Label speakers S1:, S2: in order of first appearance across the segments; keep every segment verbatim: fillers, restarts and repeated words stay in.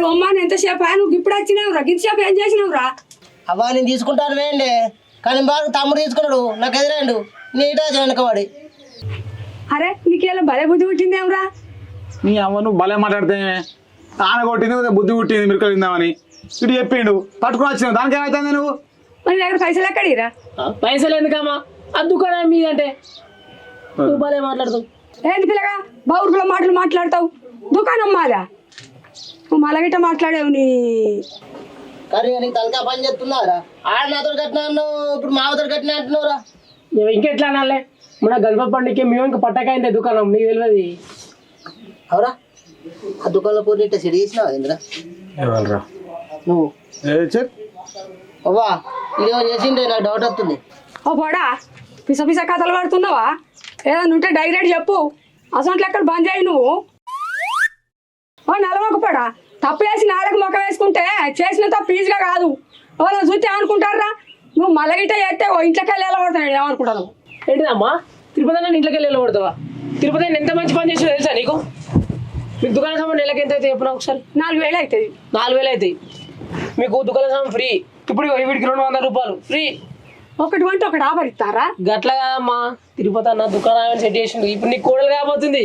S1: బొమ్మని ఎంతసేపు నువ్వు ఇప్పుడు వచ్చినావురా గింతసేపు ఏం చేసినావురా?
S2: అవ్వా నేను తీసుకుంటాను వేయండి కానీ బాగా తమ్ముడు తీసుకున్నాడు నాకు ఎదురాండు నీటా వెనకవాడి.
S1: అరే నీకేలా భలే బుద్ధి పుట్టిందేమరా?
S3: నీ అమ్మ నువ్వు భలే మాట్లాడితే ఆన కొట్టింది బుద్ధి పుట్టింది మీరు తిందామని ఇటు చెప్పిండు పట్టుకుని వచ్చినావు దానికి ఏమైతుంది నువ్వు?
S1: మరి దగ్గర పైసలు ఎక్కడిరా?
S4: పైసలు ఎందుకమ్మా అది దుకాణం మీదంటే నువ్వు భలే మాట్లాడుతావు.
S1: ఏంటి పిల్లగా బౌర్గుల మాటలు మాట్లాడతావు? దుకాణం మాదా? నువ్వు మలగిట మాట్లాడేవు నీ.
S2: కానీ నీకు తలకా పని చేస్తున్నారా? ఆడ నాతో కట్టినా అన్నావు ఇప్పుడు మావతో కట్టినా అంటున్నావురా.
S4: నువ్వు ఇంకెట్లా అనాలే మన గణపతి పండుగకి మేము ఇంకా పట్టకైందే దుకాణం నీకు తెలియదు.
S2: అవురా ఆ దుకాణంలో పోటీ ఇట్లా సిడి చేసినావు ఇంద్రా
S3: ఎవరురా
S2: నువ్వు?
S3: చెప్
S2: అవ్వా ఇదేమో చేసిండే నాకు డౌట్ వస్తుంది.
S1: ఓ పోడా పిస పిస కథలు పడుతున్నావా? ఏదన్నా ఉంటే డైరెక్ట్ చెప్పు. అసలు ఎక్కడ బంద్ చేయి నువ్వు. ఓ నలమొక పోడా తప్పు వేసి నాలుగు మొక్క వేసుకుంటే చేసిన తప్పు ఈజీగా కాదు. ఎవరైనా చూస్తే ఏమనుకుంటారా? నువ్వు మలగిట చేస్తే ఓ ఇంట్లోకి వెళ్ళి వెళ్ళబడతాడు ఏమనుకుంటాను.
S4: ఏంటిదమ్మా తిరుపతి అన్న ఇంట్లోకి వెళ్ళి వెళ్ళబడతావా? తిరుపతి అన్న ఎంత మంచి పని చేసావు తెలుసా నీకు? మీకు దుకాణ సామాన్ నెలకి ఎంత అయితే చెప్పినా ఒకసారి?
S1: నాలుగు వేలు అవుతుంది.
S4: నాలుగు వేలు అవుతాయి మీకు దుకాణ సామాన్ ఫ్రీ. ఇప్పుడు వీడికి రెండు వందల రూపాయలు ఫ్రీ.
S1: ఒకటి వంటి ఒకటి ఆఫర్ ఇస్తారా?
S4: గట్లా కాదమ్మా తిరుపతి అన్న దుకాణం సెట్ చేసిండు. ఇప్పుడు నీకు కోడలు కాబోతుంది.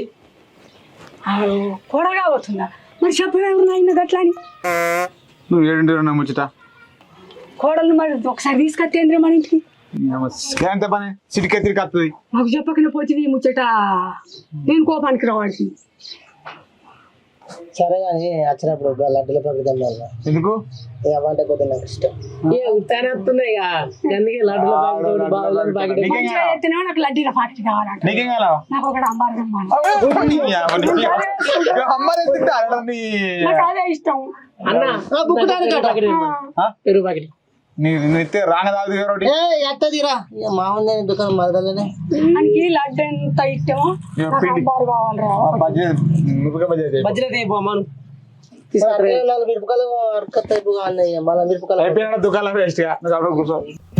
S1: కూడలు కాబోతుందా? మరి చెప్పేవారు నాయన గట్లా అని.
S3: నువ్వు ఏడింటి రెండు ముచ్చట
S1: కోడలు మరి ఒకసారి తీసుకొచ్చేంద్రే మన ఇంటికి.
S3: ఎంత పని సిటికే తిరిగి వస్తుంది.
S1: మాకు చెప్పకనే పోతుంది ఈ ముచ్చట. నేను కోపానికి రావాల్సి.
S2: సరే కానీ వచ్చినప్పుడు లడ్డుల పక్కన తిన్నాను
S3: ఎందుకు?
S2: అవ్వంటే కొద్దిగా నాకు ఇష్టం.
S4: ఏ ఉత్తానే వస్తున్నాయి అందుకే లడ్డుల ప్యాకెట్
S1: నాకు లడ్డీల ప్యాకెట్ కావాలంట.
S3: నీకేం కావాలా?
S1: నాకు ఒకటి అంబారు నాకు అదే ఇష్టం.
S4: అన్న పెరుగు ప్యాకెట్
S2: ఎత్తదిరా మామూలు దుకాణం మరదలనే
S1: మనకి లడ్డు ఎంత ఇష్టమో అంబారు కావాలరా.
S4: బజ్జీలు పోమాను
S2: మిరపకాయలు అరకత్త అయిపోయి మళ్ళీ మిరపకాయలు
S3: దుకాణం వేస్ట్ గా కూర్చో.